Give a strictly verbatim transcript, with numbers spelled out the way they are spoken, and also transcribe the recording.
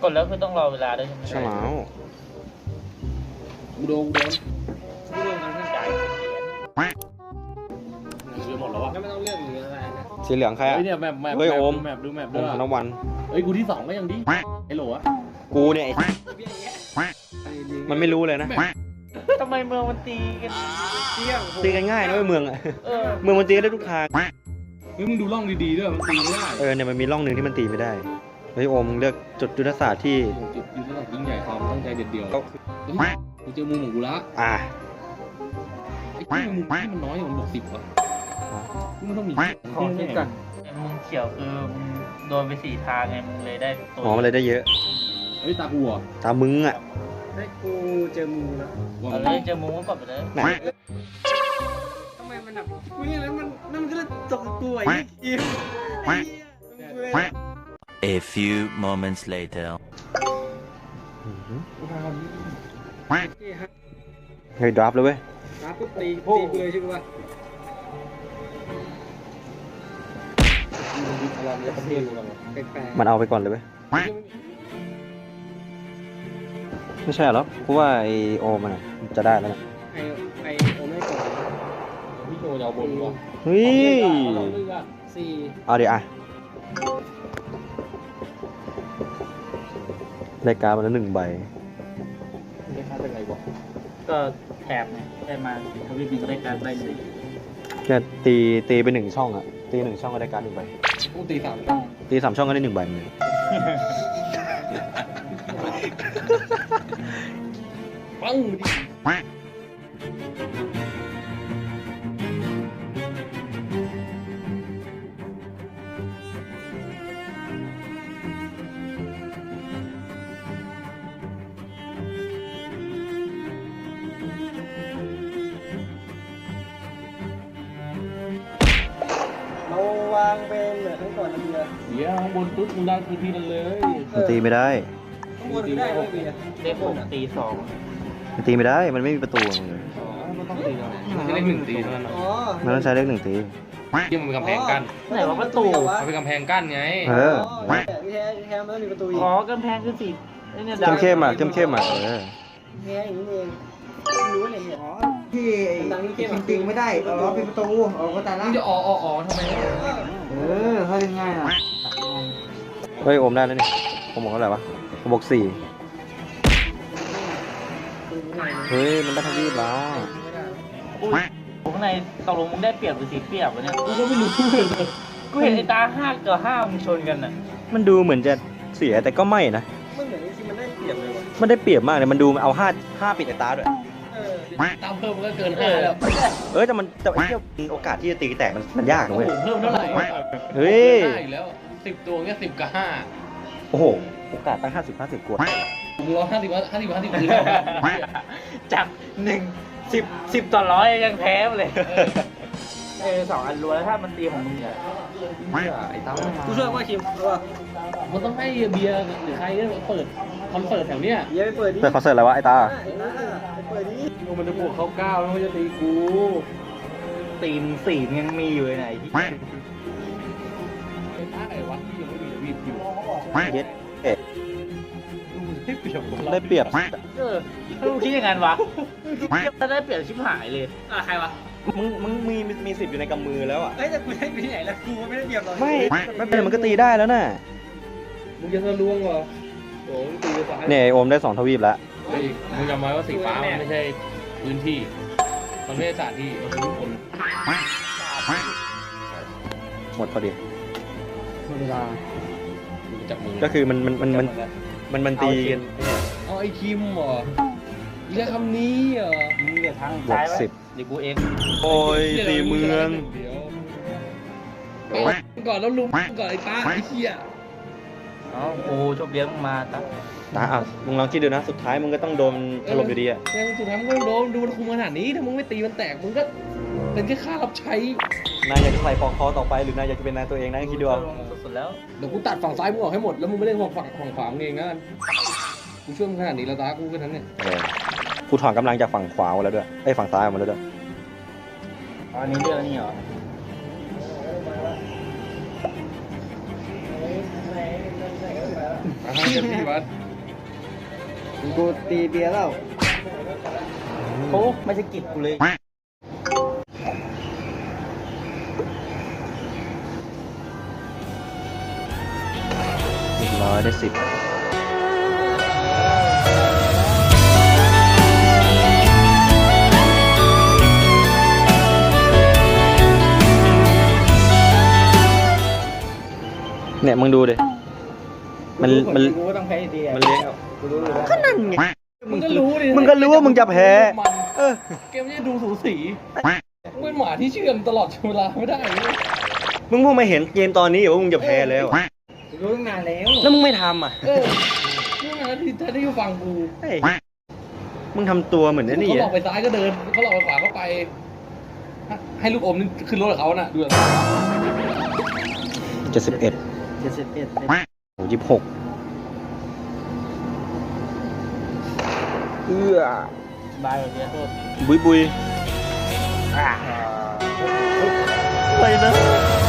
กดแล้วคือต้องรอเวลาด้วยใช่ไหมใช่แล้วกูโดนกูโดนกูเรื่องมันจ่ายเหรียญเรือหมดแล้วอ่ะก็ไม่ต้องเลือกหรืออะไรนะสีเหลืองใครอ่ะเฮ้ยเนี่ยแมปแมปเฮ้ยโอมแมปดูแมปโอด้วมยธนวันเฮ้ยกูที่สองก็ยังดีไอ้โหลอะกูเนี่ยไอ้มันไม่รู้เลยนะทำไมเมืองมันตีกันเที่ยงตีกันง่ายนะเว้ยเมืองอะเออเมืองมันตีกันได้ทุกทางเฮ้ยมึงดูร่องดีๆด้วยมันตีไม่ได้เออเนี่ยมันมีร่องหนึ่งที่มันตีไม่ได้เฮ้ยโอมเลือกจุดยุทธศาสตร์ที่จุดยืนระดับยิ่งใหญ่ความตั้งใจเด็ดเดียวกูเจอมุมของกูละอ่าไอ้ที่มุมที่มันน้อยอย่างมันบอกสิบอ่ะกูมันต้องมีขอคิดก่อนไอ้มึงเขียวคือมึงโดนไปสี่ทางไงมึงเลยได้ตัวอ๋อมันเลยได้เยอะเฮ้ยตากูอ่ะตามมึงอ่ะให้กูเจอมูแล้วเอาเลยเจอมึงก็กดไปเลยไหนทำไมมันแบบกูเนี่ยแล้วมันนั่นมันก็เลยตกกูไอ้เหี้ยไอ้เหี้ย A few moments later. เฮ้ยดรอปเลยเว้ยน้ำปุ๊บตีตีกูเลยใช่ปะ แปลกๆมันเอาไปก่อนเลยเว้ยไม่ใช่หรอกูว่าไอโอมันอะจะได้แล้วนะไอไอโอไม่กดพี่โจจะเอาบนวะเฮ้ยสี่เอาดิอ่ะได้การ์ดมาแล้วหนึ่งใบไม่ค่าเป็นไงวะก็แถบไงได้มาทวีปนึงก็ได้การใบหนึ่งแค่ตีตีไปหนึ่งช่องอะตีหนึ่งช่องก็ได้การ์ดหนึ่งใบกูตีสามตีสามช่องก็ได้หนึ่งใบเหมือนกันปังดิเราวางเป็นเหมือนครั้งก่อนนะเบียร์เดี๋ยวบนตุ๊ดมึงได้ทีทีนั้นเลยมันตีไม่ได้ข้างบนไม่ได้เลยเบียร์ได้หกตีสองมันตีไม่ได้มันไม่มีประตูเลยอ๋อมันต้องตีแล้วมันจะได้หนึ่งตีเท่านั้นอ๋อมันต้องใช้เลขหนึ่งตีที่มันเป็นกำแพงกั้นไหนว่าประตูมันเป็นกำแพงกั้นไงเออแต่ที่แท้ที่แท้มันต้องมีประตูอีกอ๋อกำแพงคือสีไอ้เนี่ยเข้มเข้มๆอ่ะเข้มเข้มๆอ่ะเออแท้อย่างนี้เองรู้เลยเนี่ยอ๋อที่จริงๆไม่ได้เออเป็นประตูเออก็แต่ละมึงจะอ๋ออ๋ออ๋อทำไมเออเขาเป็นง่ายอ่ะเฮ้ยโอมได้แล้วนี่ผมบอกเท่าไหร่วะผมบอกสี่เฮ้ยมันได้ทวีปแล้วอุ้ยข้างในตกลงมึงได้เปรียบหรือเสียเปรียบวะเนี่ยกูก็ไม่รู้เลยกูเห็นไอ้ตาห้ากับห้ามึงชนกันน่ะมันดูเหมือนจะเสียแต่ก็ไม่นะมันเหมือนจริงๆมันได้เปรียบเลยว่ะมันได้เปรียบมากเลยมันดูเอาห้าห้าปิดไอ้ตาด้วยเออตามเพิ่มมันก็เกินห้าแล้วเออแต่มันแต่ไอ้เหี้ยโอกาสที่จะตีแตกมันมันยากนะโอ้เว้ยโหเพิ่มเท่าไหร่เฮ้ยได้อีกแล้วสิบตัวเงี้ยสิบกับห้าโอ้โหโอกาสตั้งห้าสิบห้าสิบกว่ามึงร้อยห้าสิบห้าสิบห้าสิบคืนจากหนึ่งสิบสิบต่อร้อยยังแพ้เลยเออสองอันรวยแล้วถ้ามันตีของมึงเนี่ยไอ้ตั้มกูช่วยว่าคิมรู้ป่ะมันต้องให้เบียร์หรือใครเปิดคอนเสิร์ตแถวเนี้ยเบียร์ไปเปิดดิแต่คอนเสิร์ตอะไรวะไอ้ตาไอ้ตาไปเปิดดิมันจะบวกเข้าเก้าแล้วมันจะตีกูตีมึงสี่มึงยังมีอยู่เลยไหนที่ไอ้ตาไอ้วัดที่ยังไม่มีวีดอยู่เย็ดเอ็ดได้เปรียบได้เปรียบเออถ้ามึงคิดอย่างนั้นวะถ้าได้เปรียบชิบหายเลยอ่ะใครวะมึงมึงมีมีสิทธิ์อยู่ในกำมือแล้วอ่ะเฮ้ยแต่กูได้ไปที่ไหนแล้วกูไม่ได้เปรียบหรอกไม่ไม่เป็นไรมันก็ตีได้แล้วน่ะมึงจะทะลวงเหรอโอ้ยตีไปซ้ายเนี่ยไอ้โอมได้สองทวีปแล้วเฮ้ยมึงจำไว้ว่าสีฟ้ามันไม่ใช่พื้นที่ มันไม่ใช่สถานที่ มันคือทุกคนหมดพอดีเวลาดูจับมือก็คือมันมันมันมันมันมันตีกันเอาไอ้คิมเหรอเรียกคำนี้เหรอมึงเดี๋ยวทางบวซ้ายกไว้สิบเดี๋ยวกูเองโอ้ยตีเมืองเดี๋ยวเอาก่อนแล้วลุมก่อนไอ้ตาไอ้เหี้ยอ๋อกูชอบเลี้ยงมึงมาตั้งตาอ่ะมึงลองคิดดูนะ สุดท้ายมึงก็ต้องโดนถล่มอยู่ดีอ่ะแต่สุดท้ายมึงก็โดนดูมันคุมขนาดนี้ ถ้ามึงไม่ตีมันแตก มึงก็เป็นแค่ข้ารับใช้นายอยากจะใส่ปอกคอต่อไปหรือนายอยากจะเป็นนายตัวเองนะคิดดูเอาสุดๆแล้วเดี๋ยวกูตัดฝั่งซ้ายมึงออกให้หมด แล้วมึงไม่เล่นฝั่งฝั่งฝั่งขวามึงเองนะกูช่วยมึงขนาดนี้แล้วตากูแค่นั้นเนี่ยเออกูถอนกำลังจากฝั่งขวามาแล้วด้วยไอ้ยฝั่งซ้ายออกมาแล้วด้วยอ๋ออันนี้เรื่องนี้เหรอตาเต็มที่วัดกูตีเบียร์แล้วโอ้ไม่ใช่กิจกูเลยหนึ่งร้อยได้สิบเนี่ยมึงดูดิ มันมันกูก็ต้องแพ้อยู่ดีอะมันเลี้ยงกูรู้อยู่แล้วก็นั่นไงมึงก็รู้ดิมึงก็รู้ว่ามึงจะแพ้มันเออเกมนี้ดูสูสีมึงเป็นหมาที่เชื่อมตลอดเวลาไม่ได้เลยมึงเพิ่งมาเห็นเกมตอนนี้เหรอว่ามึงจะแพ้แล้วอะกูรู้ตั้งนานแล้วแล้วมึงไม่ทำอ่ะเออนี่ไงที่แท้ที่ฟังกูเฮ้ยมึงทำตัวเหมือนไอ้นี่เขาหลอะอกไปซ้ายก็เดินเขาหลอกไปขวาก็ไป ให้ลูกอมนี่ขึ้นรถกับเขาน่ะดูแบบเจ็ดสิบเอ็ดเจ็ดสิบเอ็ดโอ้ยี่สิบหกเอื้อบายแบบเนี้ยโทษบุยบุยอ่าอะไรนะ